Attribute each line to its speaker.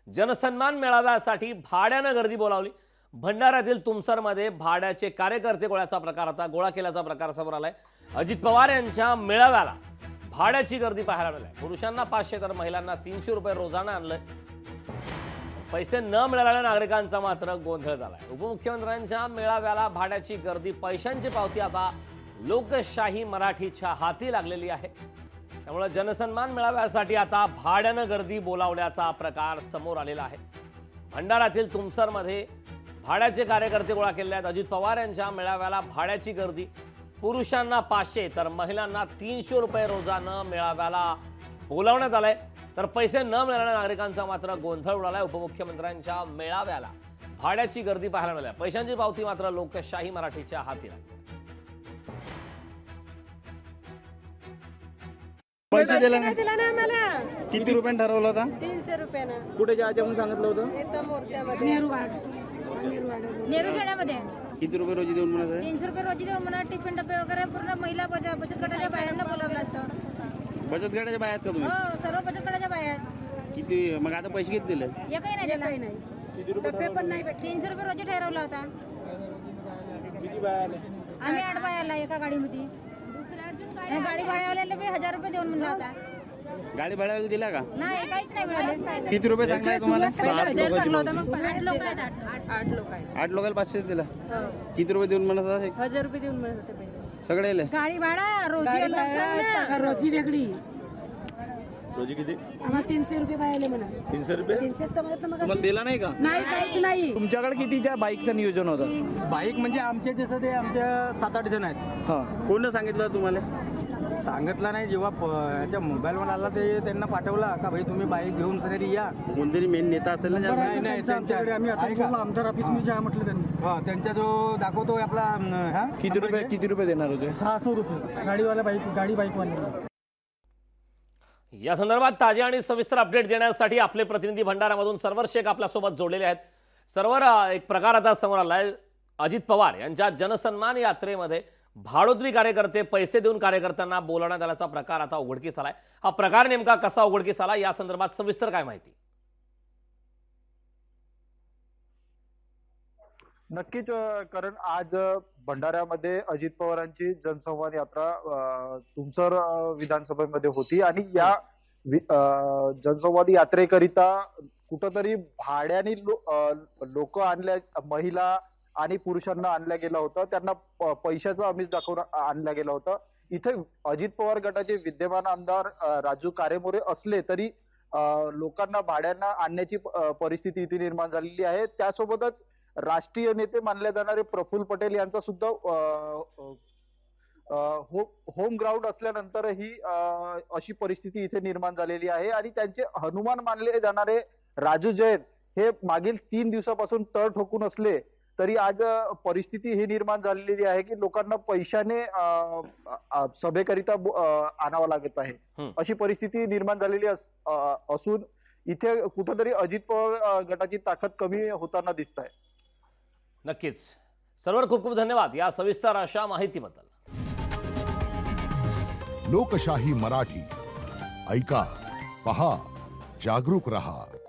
Speaker 1: जनसन्मान मेळाव्यासाठी भाड्यानं गर्दी बोलावली। भंडाऱ्यातील तुमसरमध्ये भाड्याचे कार्यकर्ते गोळा केल्याचा प्रकार समोर आलाय। अजित पवार यांच्या मेळाव्याला भाड्याची गर्दी पाहायला मिळाली। पुरुषांना 500 तर महिलांना 300 रुपये रोजानं आणलंय। पैसे न मिळालेल्या नागरिकांचा मात्र गोंधळ झालाय। उपमुख्यमंत्र्यांच्या मेळाव्याला भाड्याची गर्दी, पैशांची पावती आता लोकशाही मराठीच्या हाती लागलेली आहे। त्यामुळे जनसन्मान मेळाव्यासाठी आता भाड्यानं गर्दी बोलावल्याचा प्रकार समोर आलेला आहे। भंडाऱ्यातील तुमसरमध्ये भाड्याचे कार्यकर्ते गोळा केले आहेत। अजित पवार यांच्या मेळाव्याला भाड्याची गर्दी, पुरुषांना 500 तर महिलांना 300 रुपये रोजानं मेळाव्याला बोलावण्यात आलंय। तर पैसे न मिळालेल्या नागरिकांचा मात्र गोंधळ उडालाय। उपमुख्यमंत्र्यांच्या मेळाव्याला भाड्याची गर्दी पाहायला मिळाली, पैशांची पावती मात्र लोकशाही मराठीच्या हाती लागली।
Speaker 2: पैसे दिला नाही
Speaker 3: ना आम्हाला।
Speaker 2: किती रुपयाने ठरवलं होता?
Speaker 3: 300 रुपयानं।
Speaker 2: कुठे जायचं म्हणून सांगितलं होतं?
Speaker 3: इथं मोर्चामध्ये नेहरू शाळेमध्ये।
Speaker 2: किती रुपये रोजी देऊन म्हणत आहे?
Speaker 3: 300 रुपये रोजी देऊन मला टिफिन डबे वगैरे पूर्ण महिला बचत गटाच्या बायांना बोलावलं असतं।
Speaker 2: बचत गटाच्या बाहेर का तुम्ही?
Speaker 3: हो, सर्व बचत गटाच्या बाया आहेत।
Speaker 2: किती मग आता पैसे किती दिले?
Speaker 3: एकही नाही दिला। डबे पण नाही भेटले। 300 रुपये रोजी ठरवला होता।
Speaker 2: किती बाया आले?
Speaker 3: आम्ही 8 बायाला एका गाडीमध्ये। दुसऱ्या अजून गाडी भाड्यावाल्याला बी 1000 रुपये देऊन म्हणला होता।
Speaker 2: गाडी भाड्याला दिला का?
Speaker 3: नाही, काहीच नाही मिळाले।
Speaker 2: किती रुपये सांगताय तुम्हाला?
Speaker 3: 1000 सांगला होता। मग 8 लोक आहेत। 8 लोक आहेत।
Speaker 2: 8 लोकांना 500 दिला।
Speaker 3: हो,
Speaker 2: किती रुपये देऊन म्हणत होता?
Speaker 3: 1000 रुपये देऊन म्हणत होते पहिले।
Speaker 2: सगळे आले?
Speaker 3: गाडी भाडा रोजी वेगळी।
Speaker 4: रोजी किती?
Speaker 3: आम्हाला 300 रुपये पाहिले म्हणा।
Speaker 4: 300 रुपये
Speaker 3: 300 तर म्हणत मग
Speaker 2: तुम्हाला दिला नाही का?
Speaker 3: नाही, काहीच नाही।
Speaker 2: तुमच्याकडे कितीच्या बाईकचं नियोजन होतं?
Speaker 4: बाईक म्हणजे आमचे जसं ते आमच्या 7-8 जण आहेत।
Speaker 2: हा, कोण सांगितलं तुम्हाला?
Speaker 4: सांगितलं नाही, जेव्हा याच्या मोबाईलवर आला ते त्यांना पाठवला का भाई तुम्ही बाईक घेऊन सगळी या।
Speaker 2: कोणतरी मेन नेता असेल ना?
Speaker 4: नाही नाही, त्यांच्याकडे आम्ही
Speaker 5: आमदार ऑफिस मध्ये जा म्हटलं त्यांनी।
Speaker 4: हा, त्यांचा जो दाखवतो आपला हा
Speaker 2: किती रुपये देणार होते?
Speaker 5: 600 रुपये गाडीवाला बाईकवाला।
Speaker 1: या संदर्भात ताजे आणि सविस्तर अपडेट देण्यासाठी आपले प्रतिनिधी भंडाऱ्यामधून सर्वर शेख आपल्यासोबत जोडलेले आहेत। सर्वर, एक प्रकार आता समोर आलाय। अजित पवार यांच्या जनसन्मान यात्रेमध्ये भाडोत्री कार्यकर्ते पैसे देऊन कार्यकर्त्यांना बोलावण्यात आल्याचा प्रकार आता उघडकीस आलाय। हा प्रकार नेमका कसा उघडकीस आला, या संदर्भात सविस्तर काय माहिती?
Speaker 6: नक्कीच कारण आज भंडाऱ्यामध्ये अजित पवारांची जनसंवाद यात्रा तुमसर विधानसभेमध्ये होती आणि या जनसंवाद यात्रेकरिता कुठंतरी भाड्याने लोक आणल्या, महिला आणि पुरुषांना आणल्या गेला होता। त्यांना पैशाचं आमिष दाखवून आणल्या गेला होता। इथे अजित पवार गटाचे विद्यमान आमदार राजू कारेमोरे असले तरी लोकांना भाड्यांना आणण्याची परिस्थिती इथे निर्माण झालेली आहे। त्यासोबतच राष्ट्रीय नेते मानले जाणारे प्रफुल्ल पटेल यांचा सुद्धा होम ग्राउंड असल्यानंतरही अशी परिस्थिती इथे निर्माण झालेली आहे आणि त्यांचे हनुमान मानले जाणारे राजू जैन हे मागील 3 दिवसापासून तळ ठोकून असले तरी आज परिस्थिती ही निर्माण झालेली आहे की लोकांना पैशाने सभेकरिता आणावं लागत आहे। अशी परिस्थिती निर्माण झालेली असून इथे कुठेतरी अजित पवार गटाची ताकद कमी होताना दिसत आहे।
Speaker 1: नक्कीच सर्वर, खूप खूप धन्यवाद या सविस्तर अशा माहितीबद्दल।
Speaker 7: लोकशाही मराठी ऐका, पहा, जागरूक रहा।